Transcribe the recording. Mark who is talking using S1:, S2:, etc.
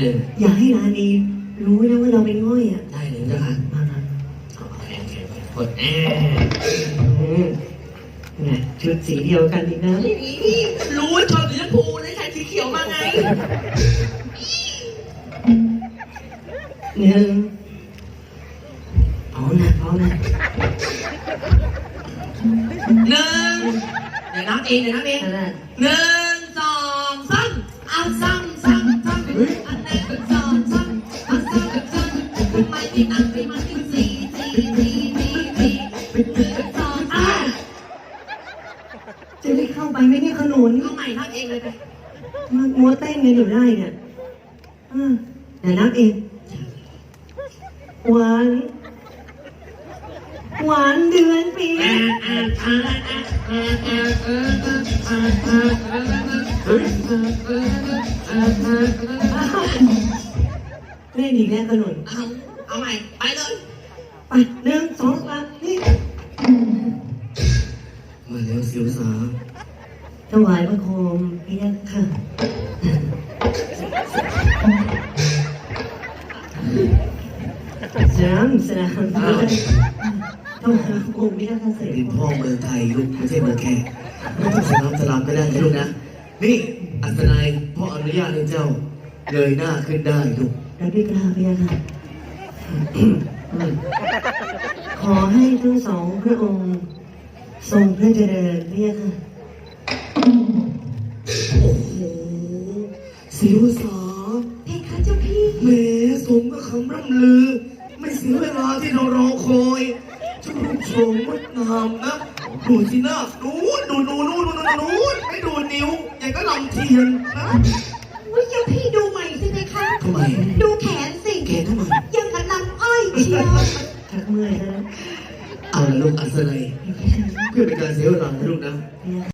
S1: เลย
S2: อย่าให้ราณีรู้นะว่าเราเป็นง่อยอ่ะ
S1: ได้เลยเจ้าค่ะ
S2: มามา
S1: โอเคกด
S2: เนี่ยชุดสีเดียวกันอีกนะ
S1: รู้ว่าชอบสีชมพูเลยใส่สีเขียวมาไง
S2: หนึ่งพร้อมนะพร้อมนะ
S1: หนึ่งเดี๋ยวนับเองเดี๋ยวนับเอง
S2: อะไร
S1: 1 2 3เอาซ้ำซ้ำซ้ำอันไหนก็ซ้ำซ้ำเอาซ้ำซ้ำไม่ที่นั่งไม่มาที่สี่
S2: จะได้เข้าไปไหมเนี่ยขนุน
S1: เอาใหม่นับเองเลยไป
S2: มัวเต้นกันอยู่ได้เนี่ยเดี๋ยวนับเองหวานหวานเดือนปีเล่นอีกแล้วขนุน
S1: เอาใหม่ไปเลย
S2: ไป1 2 3นี่
S1: มาแล้วสิวสา
S2: ถวายพระโคมพี่ยักษ์ค่ะสามต้องหาโคมพี่ยักษ์ค่ะเสร็จ
S1: เป็นพ่อเมืองไทยลูกไม่ใช่เมืองแขกไม่ต้องสลามก็ได้นะลูกนะนี่อัศนัยพ่ออนุญาตให้เจ้าเงยหน้าขึ้นได้ลูก
S2: แล้วพี่กล้าพี่ยักษ์ค่ะขอให้ทั้งสองพระองค์ทรงพระเจริญพี่ยักษ์ค่ะ
S1: โอ้โหสิวสา
S2: เพคะเจ้าพี่
S1: แหมสมกับคำร่ำลือ ไม่เสียเวลาที่เรารอคอยเจ้ารูปโฉมงดงามนะดูสิหน้าดูไม่ดูนิ้วอย่างก็ลำเทียนนะ
S3: วิเจ้าพี่ดูใหม่สิเพคะ
S1: ทำไม
S3: ดูแขนสิ
S1: แกทำไม
S3: ยังกับลำอ้อยเชียว
S2: ชักเมื่อยแล้ว
S1: เอาละลูกอัศนัยเพื่อเป็นการเสียเวลานะลูกนะ